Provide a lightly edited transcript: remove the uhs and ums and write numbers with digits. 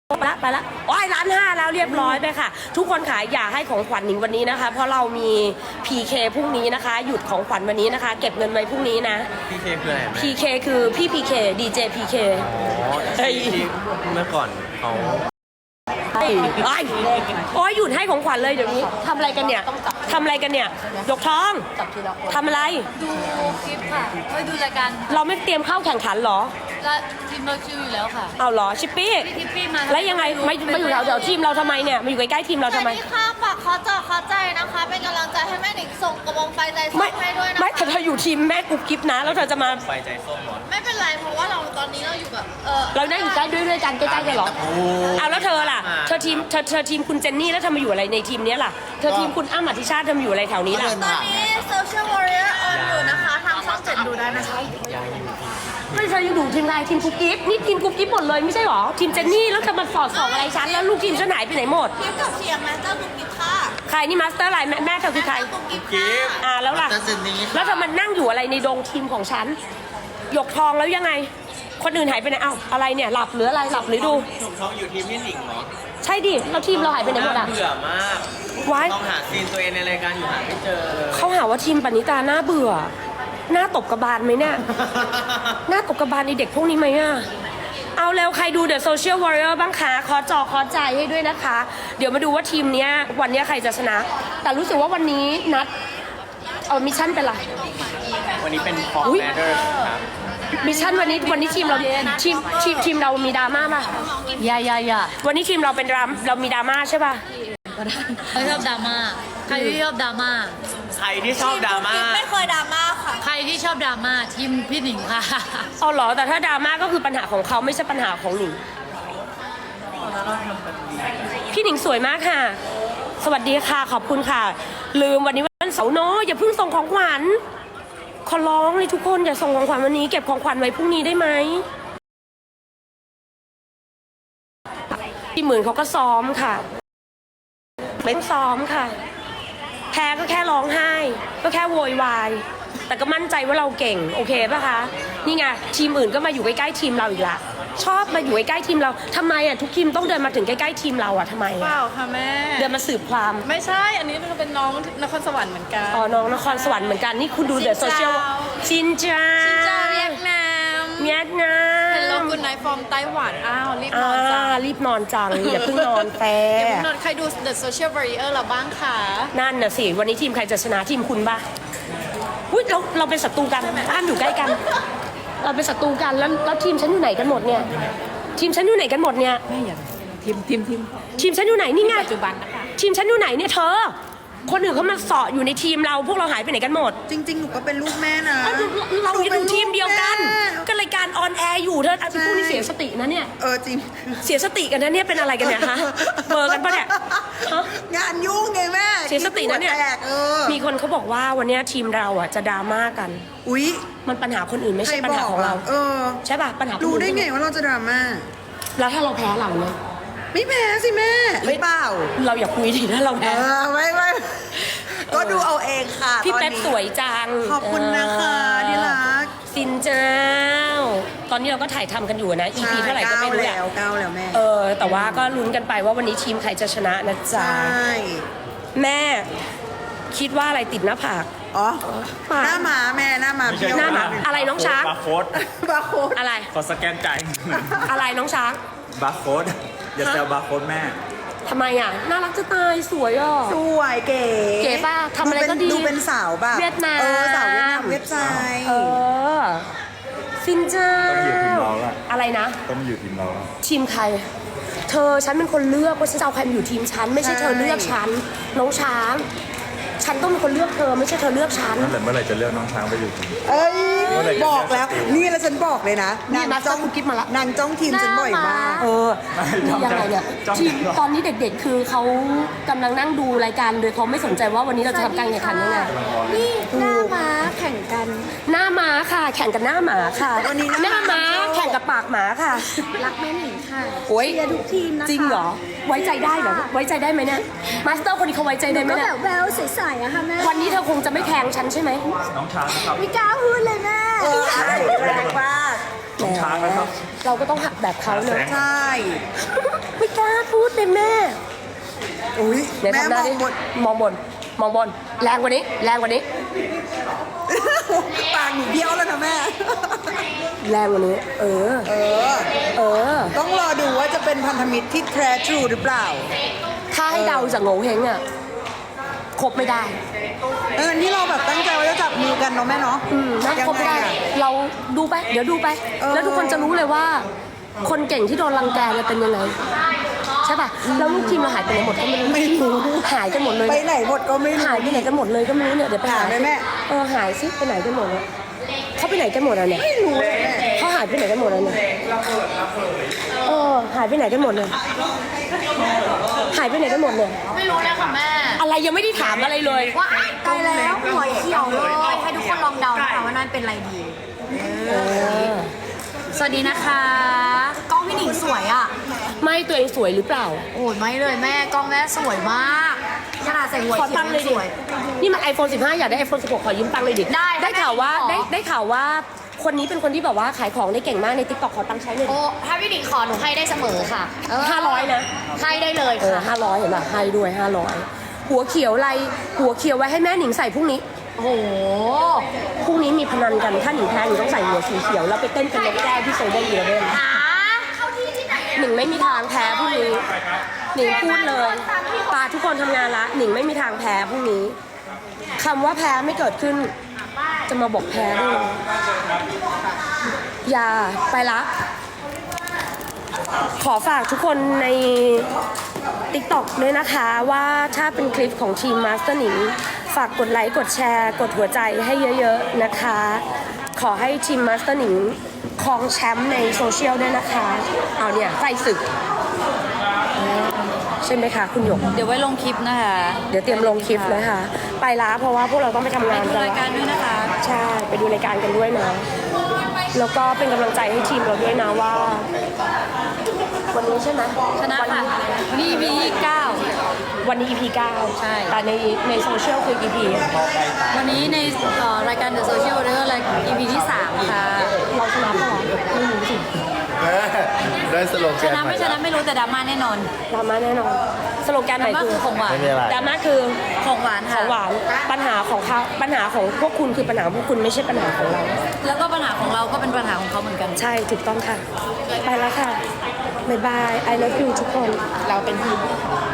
ไปละโอ้ย1,500,000แล้วเรียบร้อยไปค่ะทุกคนค่ะอย่าให้ของขวัญหนิงวันนี้นะคะเพราะเรามี PK พรุ่งนี้นะคะหยุดของขวัญวันนี้นะคะเก็บเงินไว้พรุ่งนี้นะ PK คืออะไร PK คือพี่ PK DJ PK ที่เมื่อก่อนเขาโอ้ยหยุดให้ของขวัญเลยเดี๋ยวนี้ทำอะไรกันเนี่ยทำอะไรกันเนี่ยยกท้องทำอะไรดูคลิปค่ะไม่ดูรายการเราไม่เตรียมเข้าแข่งขันเหรอและทีมเราชิวอยู่แล้วค่ะเอาเหรอชิปปี้พี่ทิปปี้มาแล้วยังไงมาอยู่แถวทีมเราทำไมเนี่ยมาอยู่ใกล้ๆทีมเราทำไมที่ข้างฝากขอจอขอใจนะคะ เป็นกำลังใจให้แม่หนิงส่งกระบองไฟใจส้ไม่มให้ด้วยนะคะไม่แต่เธออยู่ทีมแม่กุ๊บกิ๊บนะ แล้วเธอจะมาไฟใจส้มหมดไม่เป็นไรเพราะว่าเราตอนนี้เราอยู่แบบเราได้อยู่ใกล้ด้วยกันใกล้ๆกันเหรอเอาแล้วเธอล่ะเธอทีมคุณเจนนี่แล้วเธอมาอยู่อะไรในทีมนี้ล่ะเธอทีมคุณอ้ำอธิชาติเธอมาอยู่อะไรแถวนี้ล่ะตอนนี้ Social Warrior on อยู่นะคะ ทางช่อง7ดูได้นะคะไม่เธอยังอยู่ทีมอะไรทีมกุ๊บกิ๊บนี่ทีมกุ๊บกิ๊บหมดเลยไม่ใช่หรอทีมเจนนี่แล้วเธอมาสอดส่องอะไรฉันแล้วลูกทีมฉันหายไปไหนหมดกิฟกับเชียร์มาสเตอร์กุ๊กกิ๊บค่ะใครนี่มาสเตอร์อะไรแม่เธอคือใครกุ๊กกิ๊บค่ะแล้วล่ะแล้วเธอมานั่งอยู่อะไรในดงทีมของฉันหยกทองแล้วยังไง คนอื่นหายไปไหนเอ้าอะไรเนี่ยหลับหรืออะไรหลับหรือดูถูกท้องอยู่ทีมพี่หนิงเหรอใช่ดิแล้วทีมเราหายไปไหนหมดอ่ะเบื่อมากไว้ต้องหาซีนตัวเองในรายการอยู่หาไม่เจอเลยเขาหาว่าทีมปณิตาหน้าเบื่อหน้าตบกระบาลไหมเนี่ยหน้าตบกระบาลในเด็กพวกนี้ไหมอ่ะเอาแล้วใครดู The Social Warrior บ้างคะขอจอขอใจให้ด้วยนะคะ เดี๋ยวมาดูว่าทีมเนี้ยวันเนี้ยใครจะชนะ แต่รู้สึกว่าวันนี้นัดมิชชั่นเป็นไรวันนี้เป็นฟอร์อุ๊ยแมเดอร์ครับมิชชั่นวันนี้ทีมเราทีมเรามีดราม่าป่ะอย่าวันนี้ทีมเราเป็นเรามีดราม่าใช่ป่ะใครชอบดราม่าใครที่ชอบดราม่าใครที่ชอบดราม่าไม่เคยดราม่าค่ะใครที่ชอบดราม่าทีมพี่หนิงค่ะเอาเหรอแต่ถ้าดราม่าก็คือปัญหาของเขาไม่ใช่ปัญหาของหนิงพี่หนิงสวยมากค่ะ สวัสดีค่ะขอบคุณค่ะ ลืมวันนี้วันเสาร์เนอะอย่าเพิ่งส่งของขวัญขอร้องเลยทุกคนอย่าส่งของขวัญวันนี้เก็บของขวัญไว้พรุ่งนี้ได้ไหมพี่หมื่นเขาก็ซ้อมค่ะไม่ต้องซ้อมค่ะแพ้ก็แค่ร้องไห้ก็แค่โวยวายแต่ก็มั่นใจว่าเราเก่งโอเคป่ะคะนี่ไงทีมอื่นก็มาอยู่ใกล้ๆทีมเราอีกละชอบมาอยู่ใกล้ๆทีมเราทำไมอ่ะทุกทีมต้องเดินมาถึงใกล้ๆทีมเราอ่ะทำไมเปอ่ะล่าค่ะแม่เดินมาสืบความไม่ใช่ อันนี้เป็นน้องนครสวรรค์เหมือนกันอ๋อน้องนครสวรรค์เหมือนกันนี่คุณดูเดอะโซเชียลชินจ้าจะเวียดนามเวียดนามเป็นโลกุนไนฟอร์มไต้หวัน อ้าว รีบนอ่าอนจ้ารีบนอนจังอย่าเพิ่งนอนแฟเดี๋ยวพี่นนท์ใครดู The Social Warrior เราบ้างคะนั่นน่ะสิวันนี้ทีมใครจะชนะทีมคุณบ้าอุ้ยเราเป็นศัตรูกันบ้านอยู่ใกล้กัน เราเป็นศัตรูกันแล้วทีมฉันอยู่ไหนกันหมดเนี่ยทีมฉันอยู่ไหนกันหมดเนี่ยไม่อย่าทีมทีมฉันอยู่ไหนนี่ไงปัจจุบันนะคะทีมฉันอยู่ไหนเนี่ยเธอ คนอื่นเขามาเสาะอยู่ในทีมเราพวกเราหายไปไหนกันหมดจริงๆ หนูก็เป็นลูกแม่นะเราหนูอยู่ป็นทีมเดียวกันลูแม่ก็รายการออนแอร์อยู่เธอไอ้พวกนี้เสียสตินะเนี่ยจริงเสียสติกันนะเนี่ยเป็นอะไรกันเนี่ยฮะเบอร์กันปะเนี่ยฮะงานยุ่งไงแม่เสียสตินะเนี่ยหัวแตกมีคนเขาบอกว่าวันเนี้ยทีมเราอ่ะจะดราม่ากันอุ๊ยมันปัญหาคนอื่นไม่ใครใช่ปัญบหาอกของเรา ใช่ป่ะปัญหาคนรู้อื่นได้ไงว่าเราจะดราม่าแล้วถ้าเราแพ้เราเนี่ยไม่แพ้สิแม่หรือเปล่าเราอย่าคุยดิถ้าเราแพ้ไม่ก็ดูเอาเองค่ะพี่ตอนเป๊ปนี้สวยจังขอบคุณนะคะที่รักสินเจ้า ตอนนี้เราก็ถ่ายทำกันอยู่นะ EP เท่าไหร่ก็ไม่รู้แหละก้าวแล้วแม่แต่ว่าก็ลุ้นกันไปว่าวันนี้ทีมใครจะชนะนะใชจ๊ะ่แม่คิดว่าอะไรติดหน้าผากอ๋อปากหน้าหมาแม่หน้าหมาเบี้ยวหน้าหมาอะไรน้องช้างบาร์โค้ดบาร์โค้ดอะไรขอสแกนจ่ายอะไรน้องช้างบาร์โค้ดอย่าแซวบาร์โค้ดแม่ทำไมอ่ะน่ารักจะตายสวยอ่ะสวยเก๋เก๋ป่ะทำอะไรก็ดีดูเป็นสาวแบบเวียดนามสาวเวียดนามเว็บไซต์สินเจ้าต้องอยู่ทีมเราอะอะไรนะต้องมาอยู่ทีมเราอะทีมใคร เธอฉันเป็นคนเลือกว่าฉันจะเอาใครมาอยู่ทีมฉันไม่ใช่เธอเลือกฉันน้องช้าง ฉันต้องเป็นคนเลือกเธอไม่ใช่เธอเลือกฉันนั่นแหละเมื่อไหร่จะเลือกน้องช้างไปอยู่ทีมเอ้ยเมื่อไหร่จะบอกแล้วเลือกนี่แล้วฉันบอกเลยนะนี่มาจ้องกิ๊บมาละนางจ้องทีมฉันบ่อยมากนี่ยังไงเนี่ยจ้องทีมตอนนี้เด็กๆ คือเขากำลังนั่งดูรายการโดยเขาไม่สนใจว่าวันนี้เราจะทำการแข่งขันยังไงนี่หน้าม้าแข่งกันหน้าม้าค่ะ แข่งกับหน้าหมาค่ะวันนี้หหน้าน้าม้าม้าแข่งกับปากหมาค่ะรักแม่หนิงค่ะโอ้ยเชียร์ทุกทีมนะคะจริงเหรอ ไว้ใจได้เหรอ ไว้ใจได้ไหมเนี่ยมาสเตอร์คนนี้เขาไว้ใจได้ไหมก็เนี่แบยบแววใสๆอะค่ะแม่วันนี้เธอคงจะไม่แทงฉันใช่ไหมน้องช้างนะครับไม่กล้าพูดเลยแม่แรงมากน้องช้างนะครับเราก็ต้องหักแบบเขาเนอะใช่ไม่อุ้ยเดี๋ยวแม่ทำหน้ามอดิงบนมองบน มองบน แรงกว่านี้ แรงกว่านี้ปากหนูเบี้ยวแล้วนะแม่แรงกว่านี้ เออเออเออต้องรอดูว่าจะเป็นพันธมิตรที่แท้ทรูหรือเปล่าถ้าให้เดาจากโง่เฮงอ่ะ คบไม่ได้นี่เราแบบตั้งใจว่าจะจับมือกันเนาะแม่เนาะนั่งคบไม่ได้อะเราดูไป เดี๋ยวดูไปเออแล้วทุกคนจะรู้เลยว่า คนเก่งที่โดนรังแกเนี่ยเป็นยังไง ใช่ป่ะ แล้วลูกทีมเราหายไปไหนหมดก็ไม่รู้ หายกันหมดเลยไปไหนหมดก็ไม่รู้หายไปไหนกันหมดเลยก็ไม่รู้เนี่ย เดี๋ยวไปหาไหมแม่เออ หายซิไปไหนกันหมดเนี่ยเขาไปไหนกันหมดอ่ะเนี่ยไม่รู้เลยแม่เขาหายไปไหนกันหมดอ่ะเนี่ยเออ หายไปไหนกันหมดเนี่ยหายไปไหนกันหมดเนี่ยไม่รู้เลยค่ะแม่อะไรยังไม่ได้ถามอะไรเลยว่าตายแล้วหัวเขียวเลยให้ทุกคนลองเดานะคะว่านั่นเป็นอะไรดีเออสวัสดีนะคะกล้องพี่หนิงสวยอ่ะไม่ตัวเองสวยหรือเปล่าโอ้ยไม่เลยแม่กล้องแม่สวยมากขนาดใส่หัวขอเขียตัวงค์เลยยังดิสวยนี่มัน iPhone 15 อยากได้ iPhone 16 ขอยืมตังค์เลยดิ ได้ข่าวว่าได้ได้ข่าวว่า คนนี้เป็นคนที่แบบว่าขายของได้เก่งมากใน TikTok ขอตังค์ใช้เลยดิโอ้ถ้าพี่หนิงขอหนูให้ได้เสมอค่ะ 500 นะให้ได้เลยเออค่ะ 500 เห็นป่ะให้ด้วย 500 หัวเขียวอะไร หัวเขียวไว้ให้แม่หนิงใส่พรุ่งนี้โอ้โหพรุ่งนี้มีพนันกัน ถ้าหนิงแพ้หนิงต้องใส่หัวสีเขียว แล้วไปเต้นเป็นนกแก้วที่โซเดียมเยเว่นหาเข้าที่ที่ไหนหนิงไม่มีทางแพ้พรุ่งนี้ หนิงพูดเลยตาทุกคนทำงานละ หนิงไม่มีทางแพ้พรุ่งนี้คำว่าแพ้ไม่เกิดขึ้น จะมาบอกแพ้ได้เลยอย่าไปละ ขอฝากทุกคนใน TikTok ด้วยนะคะว่าถ้าเป็นคลิปของทีมมาสเตอร์หนิงฝากกดไลค์กดแชร์กดหัวใจให้เยอะๆนะคะ ขอให้ทีมมาสเตอร์หนิงครองแชมป์ในโซเชียลด้วยนะคะ เอาเนี่ยใส่ศึกใช่ไหมคะคุณหยกเดี๋ยวไว้ลงคลิปนะคะเดี๋ยวเตรียมลงคลิปเลยค่ะ ไปละเพราะว่าพวกเราต้องไปทำงานดูกันรายการด้วยนะคะใช่ ไปดูรายการกันด้วยนะ แล้วก็เป็นกำลังใจให้ทีมเราด้วยนะว่า วันนี้ใช่ไหมชนะค่ะวันนี้ EP ที่9 วันนี้ EP 9 ใช่แต่ในโซเชียลคือ EP วันนี้ในรายการ The Social Warrior ราย EP ที่ 3 ค่ะเราชนะปะวะไม่รู้สิได้สโลแกชนนะใหม่ไม่ชนะไม่รู้แต่ดราม่าแน่นอนดราม่าแน่นอนสโลแกนดใหราม่ม่าคือคือของหวานไม่มีอะไรดราม่าคือของหวานขค่ะองหวานปัญหาของเขาปัญหาของพวกคุณคือปัญหาของพวกคุณไม่ใช่ปัญหาของเราแล้วก็ปัญหาของเราก็เป็นปัญหาของเขาเหมือนกันใช่ถูกต้องค่ะ ไปแล้วค่ะ บ๊ายบาย I love you ทุกคน เราเป็นทีม